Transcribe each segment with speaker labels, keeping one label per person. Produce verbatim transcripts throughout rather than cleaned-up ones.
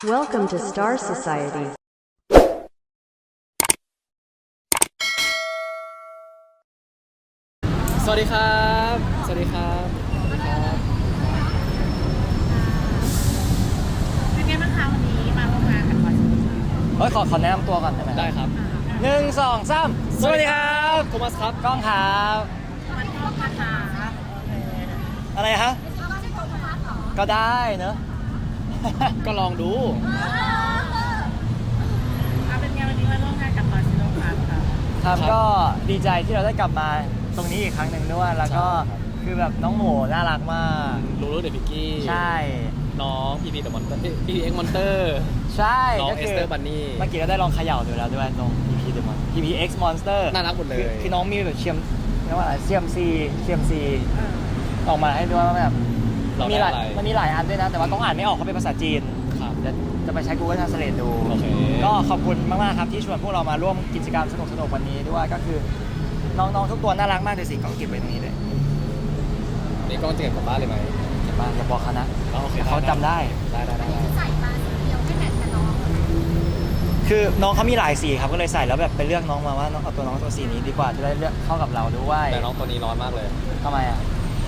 Speaker 1: Welcome to Star Society.
Speaker 2: สวัสดีครับ สวัสดีครับ สวัสดีครับ
Speaker 3: เป็นไงบ้างคะวันนี้มาร่วมงานกันวันนี้
Speaker 4: เฮ้ยขอขอแนะนำตัวก่อนได้ไหม
Speaker 2: ได้ครับ
Speaker 4: หนึ่งสองสามสวัสดีครับ
Speaker 2: โทมัสครับ
Speaker 4: กล้องครับ
Speaker 3: มันก็มาถาม
Speaker 4: อะไรฮะก็ได้เนอะ
Speaker 2: ก็ลองดู
Speaker 3: เอาเป็นไงวันนี้มาร่วมงานกับมาซิโลคาร์ครับ
Speaker 4: ครับ
Speaker 2: ครับ
Speaker 4: ก็ดีใจที่เราได้กลับมาตรงนี้อีกครั้งหนึ่งด้วยแล้วก็
Speaker 2: ใช่ครับ
Speaker 4: คือแบบน้องหมูน่ารักมาก
Speaker 2: ลูลูเดอะพิกกี้
Speaker 4: ใช่
Speaker 2: น้องพีพีเดอะมอนเตอร์พีพีเอ็กมอนเตอร์
Speaker 4: ใช่
Speaker 2: น้อง
Speaker 4: ก็
Speaker 2: เอ
Speaker 4: คื
Speaker 2: สเตอร์บันนี่
Speaker 4: เมื่อกี้เราได้ลองเขย่าดูแล้วด้วยตรง พี พี The Mon พี พี X Monster
Speaker 2: น่ารักหมดเลย
Speaker 4: คือคือน้องมีแบบเชียมเรียกว่าอะไรเซียมซีเซียมซี
Speaker 3: เออ
Speaker 4: ออกมาให้ด้วยว่าแบบ
Speaker 2: เรา
Speaker 4: มี
Speaker 2: ได้
Speaker 4: หลาย
Speaker 2: อะไร
Speaker 4: มันมีหลายอันด้วยนะ แต่ว่าต้องอ่านไม่ออกเขาเป็นภาษาจีน
Speaker 2: ครับ
Speaker 4: เดี๋ยวจะไปใช้ Google Translate ดู
Speaker 2: โอเค
Speaker 4: ก็ขอบคุณมากๆครับที่ชวนพวกเรามาร่วมกิจกรรมสนุกๆวันนี้ด้วยก็คือน้องๆทุกตัวน่ารักมากเลยสิกล้องเก็บไว้ตรงนี้เลย
Speaker 2: นี่กล้องจะเก็บกลับบ้านเลยไหม
Speaker 4: เก็บบ้านอย่าบอกเขานะ
Speaker 2: อ๋อโอเค
Speaker 4: เขาจำได้
Speaker 2: ได้ได้ได้ได้
Speaker 3: ใส่มาสีเดียวไม่แมทกับน้อง
Speaker 4: คือน้องเขามีหลายสีครับก็เลยใส่แล้วแบบไปเลือกน้องมาว่าน้องเอาตัวน้องตัวสีนี้ดีกว่าจะได้เลือกเข้ากับเราด้วย
Speaker 2: แต่น้องตัวนี้ร้อนมากเลย
Speaker 4: ทำไมอ่ะ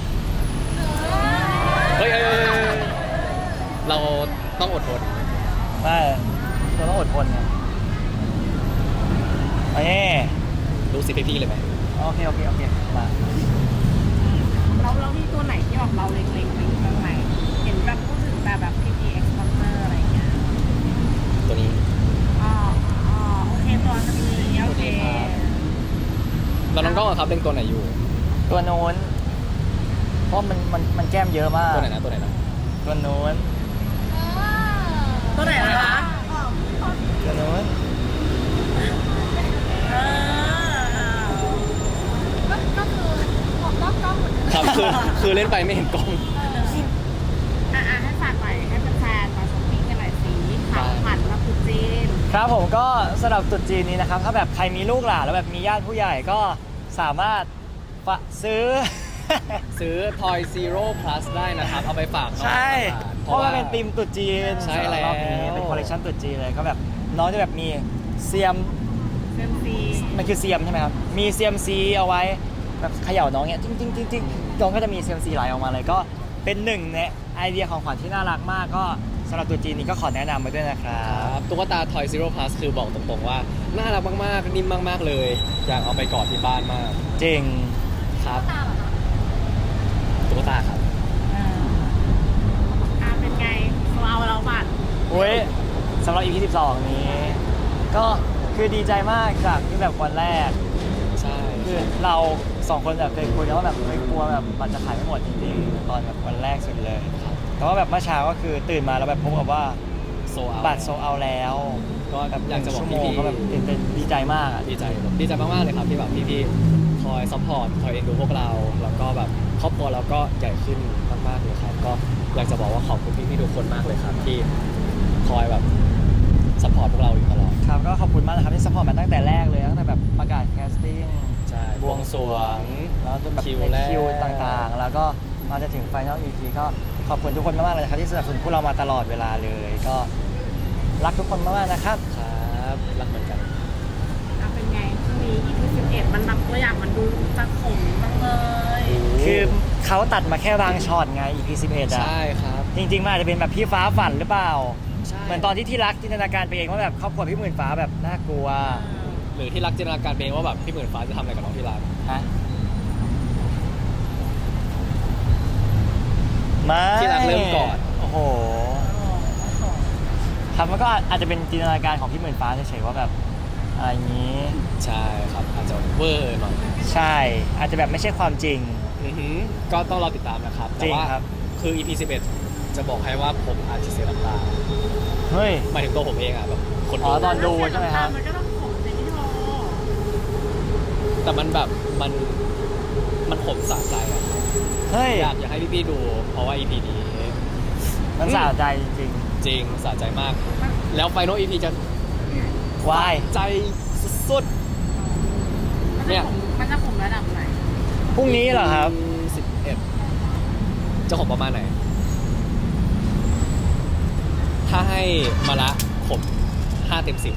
Speaker 2: เฮ้ยเฮ้ยเฮ้ยเฮ้ยเราต้องอดทน
Speaker 4: ไม่เราต้องอดทนไงโอเค
Speaker 2: ดูสิพี่ๆเลยไหม
Speaker 4: โอเคโอเคโอเคมา
Speaker 3: เราเรามีตัวไหนที่แบบเราเล็งๆไปบ้างไหมเห็นแบบพูดถึงแบบแบบ พี พี เอ็กซ์ Monster อะไรอย่างเงี้ย
Speaker 2: ตัวนี้
Speaker 3: อ๋ออ๋อโอเคตัวนี้โอเค
Speaker 2: แล้วน้องกล้องอะครับเล่นตัวไหนอยู่
Speaker 4: ตัวโน้นเพราะมันมันมันแก้มเยอะมาก
Speaker 2: ตัวไหนนะตัวไหนนะ
Speaker 4: ตัวโน้น
Speaker 3: ตัวไหนนะคะ
Speaker 4: ตัวโน้น
Speaker 3: เออก็คือผมก็กล้องเหมือนกัน
Speaker 2: ครับคือคือเล่นไปไม่เห็นกล้อง
Speaker 3: อ่ะให้ฝากไปให้แฟนๆมาช้อปปิ้งกันหน่อยสิผ่านผ่านมาคุจีน
Speaker 4: ครับผมก็สำหรับตรุษจีนนี้นะครับถ้าแบบใครมีลูกหลานแล้วแบบมีญาติผู้ใหญ่ก็สามารถฝะซื้อ
Speaker 2: ซื้อ Toy Zero Plus ได้นะครับ เอาไปฝากน้อง
Speaker 4: ใช่
Speaker 2: ๆ
Speaker 4: เพราะว่าเป็นธีมตรุษจีน
Speaker 2: ใช่แล้ว
Speaker 4: รอบนี้เป็นคอลเลคชันตรุษจีนเลยก็แบบน้องจะแบบมีเซียม
Speaker 3: เซมซี
Speaker 4: มันคือเซียมใช่ไหมครับมีเซียมซีเอาไว้แบบเขย่าน้องเนี้ยจริงจริงจริงจริงน้องก็จะมีเซียมซีไหลออกมาเลยก็เป็นหนึ่งในไอเดียของขวัญที่น่ารักมากก็สำหรับตรุษจีนนี้ก็ขอแนะนำไว้ด้วยนะครั
Speaker 2: ครับ บตุ๊กตา Toy Zero Plus คือบอกตรงๆว่า น่ารักมากๆ นิ่มมากๆเลย อยากเอาไปกอดที่บ้านมาก
Speaker 4: จริง
Speaker 2: ครับตุ๊กตาครับ
Speaker 3: อ่าเป็นไงเราเราบัตร
Speaker 4: โอ้ยสำหรับ อี พี สิบสองนี้ ก็คือดีใจมากจากที่แบบวันแรก
Speaker 2: ใช่
Speaker 4: คือเราสองคนแบบเคยคุยกันว่าแบบเคยกลัวแบบบัตรจะขายไม่หมดจริงๆตอนแบบวันแรกสุดเลยแต่ว่าแบบเมื่อเช้าก็คือตื่นมาแล้วแบบพบกับว่า
Speaker 2: โซเอา
Speaker 4: บัตรโซเอาแล้ว
Speaker 2: ก็
Speaker 4: แบบ
Speaker 2: อยากจะบอก
Speaker 4: ชั่วโมง
Speaker 2: พี่ๆ
Speaker 4: ก็แบบตื่นเต้นดีใจมากอ่ะ
Speaker 2: ดีใจดีใจมากๆเลยครับที่แบบพี่ๆคอยซัพพอร์ตคอยเอ็นดูพวกเรา แล้วก็แบบครอบครัวเราก็ใหญ่ขึ้นมากๆเลยครับ ก็อยากจะบอกว่าขอบคุณพี่ๆทุกคนมากเลยครับ ที่คอยแบบซัพพอร์ตพวกเราอยู่ตลอด
Speaker 4: ครับก็ขอบคุณมากนะครับที่สปอร์ตมาตั้งแต่แรกเลยตั้งแต่แบบประกาศแคสติ้ง
Speaker 2: ใช่
Speaker 4: บวงสรวงแล้วจนแบบ
Speaker 2: คิว
Speaker 4: ใน
Speaker 2: แรก
Speaker 4: คิวต่างๆ แล้วก็มาจะถึงไฟนอล อี พี ก็ขอบคุณทุกคนมากๆเลยนะครับที่สนับสนุนพวกเรามาตลอดเวลาเลย ก็รักทุกคนมากๆนะครับ
Speaker 2: ครับรักเหมือนกัน
Speaker 3: อ่าเป็นไงช่วงนี้ อี พี สิบเอ็ดมันแบบตัวอย่างมันดูจะขมจังเลย
Speaker 4: คือเขาตัดมาแค่บางช็อตไง อี พี สิบเอ็ดอ่ะ
Speaker 2: ใช่ครับ
Speaker 4: จริงๆมันอาจจะเป็นแบบพี่ฟ้าฝันหรือเปล่า
Speaker 2: ใช่
Speaker 4: เหมือนตอนที่ที่รักจินตนาการไปเองว่าแบบครอบครัวพี่หมื่นฟ้าแบบน่ากลัว
Speaker 2: หรือที่รักจินตนาการเป็นว่าแบบพี่หมื่นฟ้าจะทำอะไรกับน้องที่รัก
Speaker 4: ฮะไม่
Speaker 2: ที่รักเริ่มก่อน
Speaker 4: โอ้โหครับมันก็อาจจะเป็นจินตนาการของพี่หมื่นฟ้าเฉยๆว่าแบบอะไรอย่างนี้
Speaker 2: ใช่ครับอาจจะเวอร์หน่อย
Speaker 4: ใช่ อาจจะแบบไม่ใช่ความจริง
Speaker 2: อือหือก็ต้องรอติดตามนะครับ
Speaker 4: จ
Speaker 2: แต่
Speaker 4: ริง
Speaker 2: ว่า
Speaker 4: ครับ
Speaker 2: คือ อี พี สิบเอ็ดจะบอกให้ว่าผมอาจจะเสียน้ำตา
Speaker 4: เฮ้ย
Speaker 2: หมายถึงตัวผมเองอะแบบคน
Speaker 4: อ๋
Speaker 2: ดู
Speaker 4: อตอน ดูใช่ไหมครับ
Speaker 3: มันก็ต้องขมในที่โทร
Speaker 2: แต่มันแบบมันมันขมสะใจอะ
Speaker 4: เฮ้ย
Speaker 2: อยากอยากให้พี่ๆดู เพราะว่า อี พี นี้
Speaker 4: มันสะใจจริง
Speaker 2: จริงสะใจมาก แล้วไฟนอล อี พี จะ
Speaker 4: ๆวาย
Speaker 2: ใจสุด
Speaker 3: มัน
Speaker 2: เนี่
Speaker 3: จะ
Speaker 2: ย
Speaker 3: ขมมันจะขมระดับไหน
Speaker 4: พรุ่งนี้เหรอครับ
Speaker 2: สิบเอ็ดจะขมประมาณไหน
Speaker 4: ถ
Speaker 2: ถ้าให้มาละผมห้าเต็มสิบ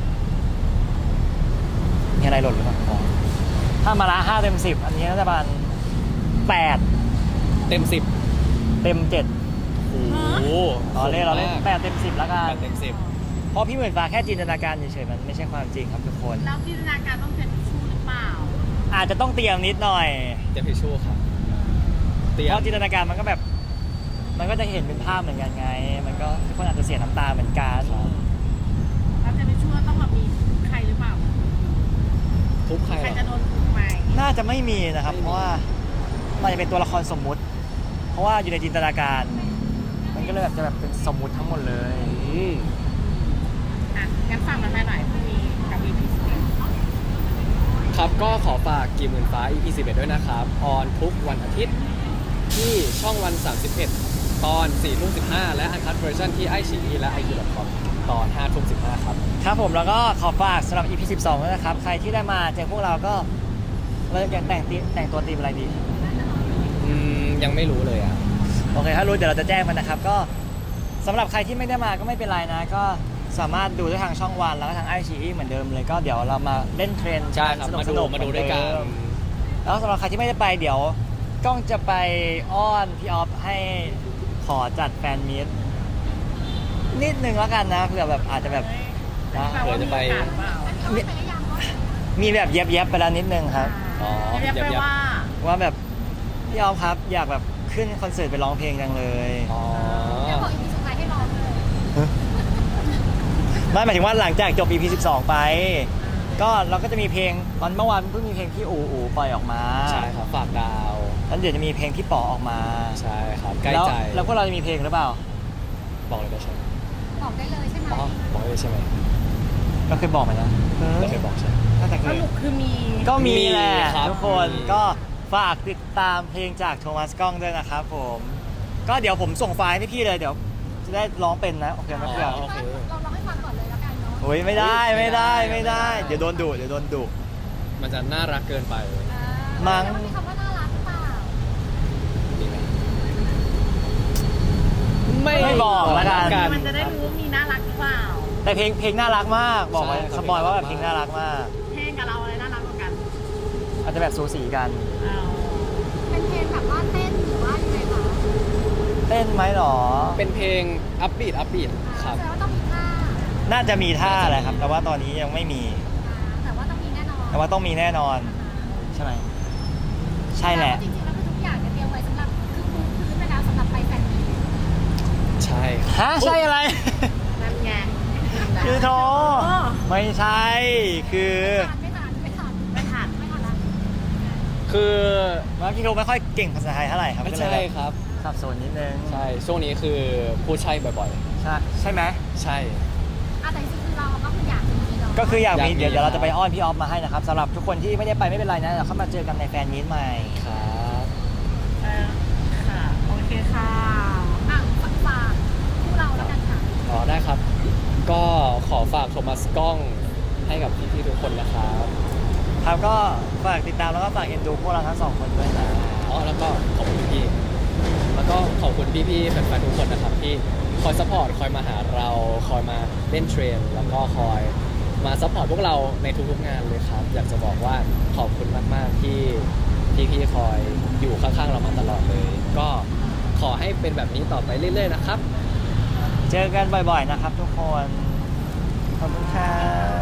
Speaker 4: มีอะไรหล่นหรือเปล่าอ๋อถ้ามาละห้าเต็มสิบอันนี้น่าจะประมาณแปด
Speaker 2: เต็มสิบ
Speaker 4: เต็มเจ็ด
Speaker 2: โอ้โห
Speaker 4: อ๋อเล่นเราเล่นแปดเต็มสิบแล้วกัน
Speaker 2: แปดเต็มสิบ
Speaker 4: เพราะพี่หมื่นฟ้าแค่จินตนาการเฉยๆมันไม่ใช่ความจริงครับทุกคน
Speaker 3: แล้วจินตนาการต้องเป็นทิชชู่หรือเปล่า
Speaker 4: อาจจะต้องเตรียมนิดหน่อย
Speaker 2: เตรียมทิชชู่ครับเตรีย
Speaker 4: เพ
Speaker 2: ม
Speaker 4: ราะจินตนาการมันก็แบบ มันก็จะเห็นเป็นภาพเหมือนกันไง มันก็ทุกคนอาจจะเสียน้ำตาเหมือนกัน
Speaker 3: แล้วจะทิชชู่ต้องแบบมีใครหรือเปล่า
Speaker 2: ทุบใคร
Speaker 3: ใคร
Speaker 2: เหร
Speaker 3: จะ
Speaker 2: อ
Speaker 3: โดนทุบไหม น่า
Speaker 4: น่าจะไม่มีนะครับ
Speaker 2: ไม่มี
Speaker 4: เพราะว่ามันจะเป็นตัวละครสมมุติ เพราะว่าอยู่ในจินตนาการ มันก็เลยแบบจะแบบเป็นสมมุติทั้งหมดเลย
Speaker 2: อืม
Speaker 3: อ่ะงั้นฟังมาหน่อยพรุ่งนี้กับ อี พี สิบเอ็ด
Speaker 2: ครับก็ขอฝากกีหมื่นฟ้า อี พี สิบเอ็ดด้วยนะครับออนทุกวันอาทิตย์ที่ช่องวัน สามสิบเอ็ด ตอนสี่ทุ่มสิบห้าและอันคัทเวอร์ชันที่ไอชีอีและไอคิวดอทคอมตอนห้าทุ่มสิบห้าครับ
Speaker 4: ครับผมแล้วก็ขอฝากสำหรับ อี พี สิบสองด้วยนะครับ ใครที่ได้มาเจอพวกเราก็เราจะแต่งตีแต่งตัวตีมอะไรดี
Speaker 2: อืม ยังไม่รู้เลยอ่ะ
Speaker 4: โอเค ถ้ารู้เดี๋ยวเราจะแจ้งมันนะครับ ก็สำหรับใครที่ไม่ได้มาก็ไม่เป็นไรนะ ก็สามารถดูได้ทางช่องวันแล้วก็ทางไอชีเหมือนเดิมเลย ก็เดี๋ยวเรามาเล่นเทรนด์
Speaker 2: ใช่ครับ
Speaker 4: สนุก
Speaker 2: มา
Speaker 4: ส
Speaker 2: ดู
Speaker 4: นุก
Speaker 2: มาดูด้วยกัน
Speaker 4: แล้วสำหรับใครที่ไม่ได้ไปเดี๋ยวกล้องจะไปอ้อนพี่ออฟให้ขอจัดแฟนมีตนิดนึงแล้วกันนะเผื่อแบบอาจจะแบบนะ
Speaker 3: แปลว่ามีโอกาสหรือเปล่า
Speaker 4: มีมีแบบเย็บเย็บๆไปแล้วนิดนึงครับ
Speaker 2: อ๋อ
Speaker 3: เรียก
Speaker 2: ยับ
Speaker 3: ไป
Speaker 2: ยับ
Speaker 3: ว่า
Speaker 4: ว่าแบบพี่ออฟครับอยากแบบขึ้นคอนเสิร์ตไปร้องเพลงจังเลย
Speaker 2: อ๋อ
Speaker 5: บอกอีพีสุดท้ายให้ร้องเลย
Speaker 4: ไม่หมายถึงว่าหลังจากจบ อี พี สิบสองไป ก็เราก็จะมีเพลงตอนเมื่อวานเพิ่งมีเพลงที่อูอูปล่อยออกมา
Speaker 2: ใช่ครับ ฝากดาว
Speaker 4: แล้วเดี๋ยวจะมีเพลงที่ป๋อออกมา
Speaker 2: ใช่ครับ ใกล้
Speaker 4: แล้ว
Speaker 2: ใจ
Speaker 4: แล้วพวกเราจะมีเพลงหรือเปล่า
Speaker 2: บอกเลยได้ใช่ไหม
Speaker 5: บอกได้เลยใช่ไหม
Speaker 2: อ๋อ บอกเลยใช่ไหม
Speaker 4: ก็เคยบอกมานะ
Speaker 2: เราเคยบอกใช่ไหม
Speaker 4: น่าจะเค
Speaker 3: ส
Speaker 4: ย
Speaker 3: รุปคือมี
Speaker 4: ก็มีแหละ
Speaker 2: มีครับ
Speaker 4: ทุกคน
Speaker 2: มี
Speaker 4: ก็ฝากติดตามเพลงจากโทมัสกล้องด้วยนะครับผม ก็เดี๋ยวผมส่งไฟล์ให้พี่เลยเดี๋ยวจะได้ร้องเป็นนะโอเคไหมเพื่อน
Speaker 2: โอเค
Speaker 5: เราร้องให้ฟังก่อนเลยแล้วกันเนาะ
Speaker 4: โอ้ยไม่ได้ไม่ได้
Speaker 2: ไม่
Speaker 4: ไม่
Speaker 2: ได้
Speaker 4: ได้ เดี๋ยวโดนดุเดี๋ยวโดนดุ
Speaker 2: มันจะน่ารักเกินไป
Speaker 4: มั้ง
Speaker 5: แล้วมีคำว่าน่ารักหรือเปล่า
Speaker 2: ดีไหม
Speaker 4: ไม่บอกแล้วกัน
Speaker 3: มันจะได้รู้ว่ามีน่ารักหรือเปล่า
Speaker 4: แต่เพลงเพลงน่ารักมากบอกไว้
Speaker 2: ใช่ครับ
Speaker 4: สปอยว่าแบบเพลงน่ารักมาก
Speaker 3: เพลงกับเราอะไรน่ารักกว่ากัน
Speaker 4: อาจจะแบบสูสีกัน
Speaker 3: เอา
Speaker 5: เป็นเพลงแบบว่าเต้นหรือว่ายังไงคะ
Speaker 4: เต้นไหมหรอ
Speaker 2: เป็นเพลงอัพบีทอัพบีทครับ
Speaker 5: แสดงว่าต้องมีท่า
Speaker 4: น่าจะมีท่าแหละครับ แต่ว่าตอนนี้ยังไม่มี
Speaker 5: อ่าแต่ว่าต้องมีแน่นอน
Speaker 4: แต่ว่าต้องมีแน่นอน ใช่ไหมใช่แหละ
Speaker 5: จริงๆแล้วคือทุกอย่างเนี่ยเตรียมไว้สำหรับคือปูพื้นไปแล้วสำหรับไปแฟนมีต
Speaker 2: ใช่ครับ
Speaker 4: ฮะใช่อะไร
Speaker 3: นั่นไง
Speaker 4: คือโทไม่ใช่ คือ
Speaker 5: ไม่ทันไม่ทัน
Speaker 3: ไม่ทัน
Speaker 5: ไม่ทันละ
Speaker 2: คือ
Speaker 4: ว่าพี่โทไม่ค่อยเก่งภาษาไทยเท่าไหร่ครับ
Speaker 2: ไม่
Speaker 4: ก็เลย
Speaker 2: ใช่
Speaker 4: แบบ
Speaker 2: ครับ
Speaker 4: สับสนนิดนึง
Speaker 2: ใช่ ช่วงนี้คือพูดใช่บ่อย
Speaker 4: ใช่ใช่ไหม
Speaker 2: ๆ ใช่
Speaker 5: อ่ะแต่จริงๆคือเราก็คืออยากมีเนาะ
Speaker 4: ก็คืออยากมี
Speaker 2: อยากมี
Speaker 4: เดี๋ยวเดี๋ยวเรา
Speaker 2: ครับ
Speaker 4: จะไปอ้อนพี่ออฟมาให้นะครับสำหรับทุกคนที่ไม่ได้ไปไม่เป็นไรนะเดี๋ยวเข้ามาเจอกันในแฟนมีตใหม่
Speaker 2: ครับ
Speaker 3: เออค่ะ โอเคค่ะ
Speaker 5: อ่ะฝากฝากคู่เราแล้วกันค่ะ
Speaker 2: อ๋อได้ครับ ก็ขอฝากโทมัสกล้องให้กับพี่ๆทุกคนนะครับ
Speaker 4: ครับก็ฝากติดตามแล้วก็ฝากเอ็นดูพวกเราทั้งสองคนด้วยนะ
Speaker 2: อ๋อแล้วก็ขอบคุณพี่ๆแล้วก็ขอบคุณพี่ๆแฟนๆทุกคนนะครับที่คอยซัพพอร์ตคอยมาหาเราคอยมาเล่นเทรนแล้วก็คอยมาซัพพอร์ตพวกเราในทุกๆงานเลยครับ อยากจะบอกว่าขอบคุณมากๆที่พี่ๆคอยอยู่ข้างๆเรามาตลอดเลย ก็ขอให้เป็นแบบนี้ต่อไปเรื่อยๆนะครับ
Speaker 4: เจอกันบ่อยๆนะครับทุกคน ขอบคุณครับ